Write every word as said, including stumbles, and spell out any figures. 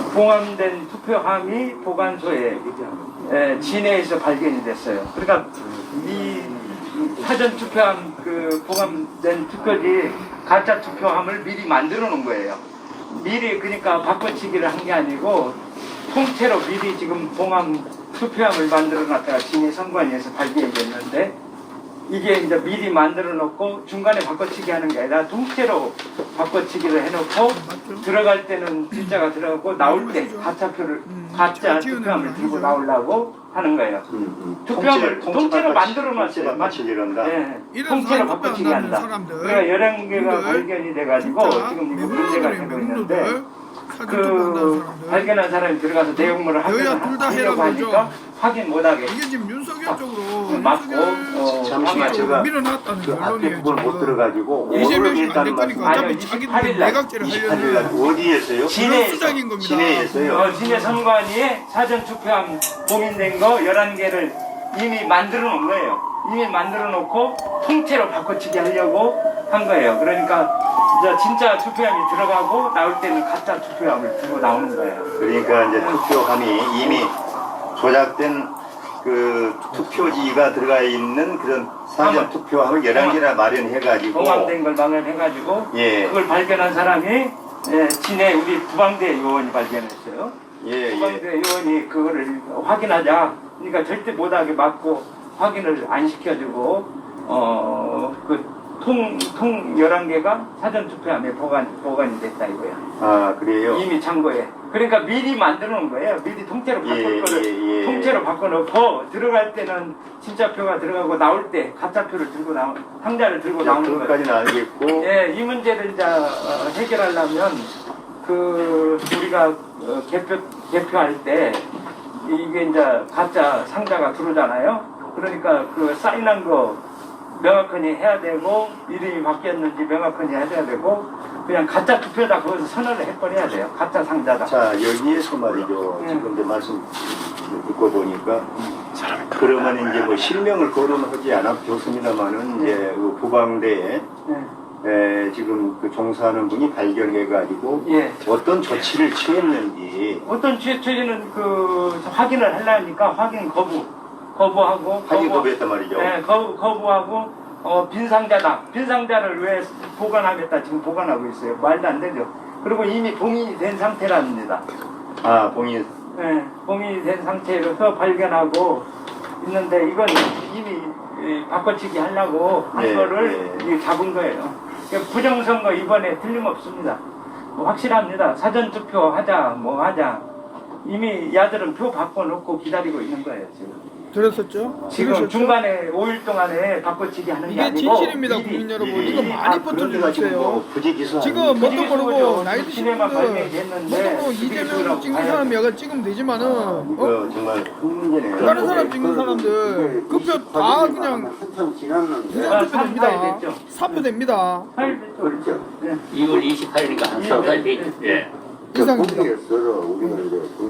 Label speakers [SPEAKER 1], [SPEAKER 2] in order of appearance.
[SPEAKER 1] 봉함된 투표함이 보관소에 에, 진해에서 발견이 됐어요. 그러니까 이 사전 투표함 그 봉함된 투표지 가짜 투표함을 미리 만들어 놓은 거예요. 미리 그러니까 바꿔치기를 한 게 아니고 통째로 미리 지금 봉함 투표함을 만들어 놨다가 진해 선관위에서 발견이 됐는데 이게 이제 미리 만들어 놓고 중간에 바꿔치기 하는 게 아니라 통째로 바꿔치기를 해놓고 들어갈 때는 진짜가 들어가고 나올 때 가짜표를 가짜 투표함을 들고 나오려고 하는 거예요.
[SPEAKER 2] 음, 음.
[SPEAKER 1] 투표함을
[SPEAKER 2] 통째,
[SPEAKER 1] 통째로
[SPEAKER 2] 바꿔치-
[SPEAKER 1] 만들어
[SPEAKER 2] 통째
[SPEAKER 1] 놨어요.
[SPEAKER 2] 바꿔치기를 한다.
[SPEAKER 1] 예, 통째로 바꿔치기 한다. 그러니까 열한 개가 발견이 돼가지고 지금 이거 문제가 되고 있는데 그 발견한 사람이 들어가서 내용물을 확인하려고 하니까 확인 못하게
[SPEAKER 3] 이게 지금 윤석열 쪽으로
[SPEAKER 1] 맞고 어,
[SPEAKER 2] 잠시만 제가
[SPEAKER 3] 밀어놨다는
[SPEAKER 2] 그 앞에
[SPEAKER 3] 언론이에요.
[SPEAKER 2] 부분 못 들어가지고
[SPEAKER 3] 이재명이
[SPEAKER 2] 오늘
[SPEAKER 3] 안
[SPEAKER 2] 했다는
[SPEAKER 3] 될 거니까
[SPEAKER 2] 말씀.
[SPEAKER 1] 아니요,
[SPEAKER 3] 어차피 자기들
[SPEAKER 1] 이십팔 일 날,
[SPEAKER 3] 내각제를
[SPEAKER 2] 이십팔 일
[SPEAKER 3] 하려는
[SPEAKER 2] 날 어디에서요?
[SPEAKER 1] 진해에서
[SPEAKER 3] 수작인 겁니다.
[SPEAKER 2] 진해에서요.
[SPEAKER 1] 어, 진해 선관위에 사전 투표함 봉인된 거 열한 개를 이미 만들어 놓은 거예요. 이미 만들어 놓고 통째로 바꿔치기 하려고 한 거예요. 그러니까 이제 진짜 투표함이 들어가고 나올 때는 가짜 투표함을 들고 나오는 거예요.
[SPEAKER 2] 그러니까 이제 투표함이 이미 조작된 그 투표지가 들어가 있는 그런 사전 투표함을 열한 개나 마련해가지고
[SPEAKER 1] 봉함된 걸 마련해가지고
[SPEAKER 2] 예.
[SPEAKER 1] 그걸 발견한 사람이 예, 진해 우리 부방대 요원이 발견했어요.
[SPEAKER 2] 예,
[SPEAKER 1] 부방대
[SPEAKER 2] 예.
[SPEAKER 1] 요원이 그거를 확인하자. 그러니까 절대 못하게 막고 확인을 안 시켜주고 어그 통, 통 열한 개가 사전투표함에 보관, 보관이 됐다 이거야.
[SPEAKER 2] 아 그래요?
[SPEAKER 1] 이미 창고에. 그러니까 미리 만들어 놓은 거예요. 미리 통째로 바꿀
[SPEAKER 2] 예,
[SPEAKER 1] 거를
[SPEAKER 2] 예, 예.
[SPEAKER 1] 통째로 바꿔놓고 들어갈 때는 진짜 표가 들어가고 나올 때 가짜 표를 들고 나오 상자를 들고
[SPEAKER 2] 자,
[SPEAKER 1] 나오는 거예요.
[SPEAKER 2] 그것까지는 알겠고
[SPEAKER 1] 예, 이 문제를 이제 어, 해결하려면 그 우리가 어, 개표 개표할 때 이게 이제 가짜 상자가 들어오잖아요. 그러니까 그 사인한 거 명확하게 해야 되고 이름이 바뀌었는지 명확하게 해야 되고 그냥 가짜 투표다 거기서 선언을 해버려야 돼요. 가짜 상자다.
[SPEAKER 2] 자 여기에서 말이죠.
[SPEAKER 1] 예.
[SPEAKER 2] 지금 이제 말씀 듣고 보니까 그러면 이제 뭐 실명을 거론하지 않아도 좋습니다만은 이제 그 부방대에
[SPEAKER 1] 예.
[SPEAKER 2] 에, 지금 그 종사하는 분이 발견해가지고
[SPEAKER 1] 예.
[SPEAKER 2] 어떤 조치를 취했는지
[SPEAKER 1] 어떤 취재는 그 확인을 하려니까 확인 거부 거부하고
[SPEAKER 2] 확인
[SPEAKER 1] 거부-
[SPEAKER 2] 거부했단 말이죠.
[SPEAKER 1] 네, 거부, 거부하고 어, 빈 상자다. 빈 상자를 왜 보관하겠다 지금 보관하고 있어요. 말도 안 되죠. 그리고 이미 봉인이 된 상태랍니다.
[SPEAKER 2] 아 봉인
[SPEAKER 1] 네, 봉인이 된 상태로서 발견하고 있는데 이건 이미 이, 바꿔치기 하려고 한
[SPEAKER 2] 네,
[SPEAKER 1] 거를
[SPEAKER 2] 네.
[SPEAKER 1] 이 잡은 거예요. 그러니까 부정선거 이번에 틀림없습니다. 뭐 확실합니다. 사전투표 하자 뭐 하자. 이미 야들은 표 바꿔놓고 기다리고 있는 거예요 지금.
[SPEAKER 3] 들었었죠?
[SPEAKER 1] 지금
[SPEAKER 3] 들으셨죠?
[SPEAKER 1] 중간에 오 일 동안에 바꿔치기 하는 게
[SPEAKER 3] 이게
[SPEAKER 1] 아니고
[SPEAKER 3] 진실입니다,
[SPEAKER 1] 미리
[SPEAKER 3] 국민 여러분.
[SPEAKER 2] 미리
[SPEAKER 3] 이거 많이
[SPEAKER 1] 아,
[SPEAKER 3] 퍼뜨려주세요.
[SPEAKER 2] 뭐 부지기수
[SPEAKER 3] 지금
[SPEAKER 2] 아닙니까?
[SPEAKER 3] 뭣도 모르고 나이 드신
[SPEAKER 1] 시내만
[SPEAKER 3] 분들
[SPEAKER 1] 발매됐는데
[SPEAKER 3] 뭣도 모르고 이재명 찍는 사람이 여기 찍으면 되지만은 어?
[SPEAKER 2] 이거 정말 큰 문제네요.
[SPEAKER 3] 다른 사람 찍는 사람들 그 표 다 그냥
[SPEAKER 4] 한참 지났는데
[SPEAKER 3] 부정투표
[SPEAKER 1] 아,
[SPEAKER 3] 됩니다.
[SPEAKER 1] 삼 일 됐죠.
[SPEAKER 3] 사표 됩니다.
[SPEAKER 1] 팔 됐죠.
[SPEAKER 4] 그렇죠.
[SPEAKER 1] 네.
[SPEAKER 5] 이월 이십팔일이니까 한 달 됐죠. 예.
[SPEAKER 3] 이상입니다.
[SPEAKER 4] 거기에서 우리가 이제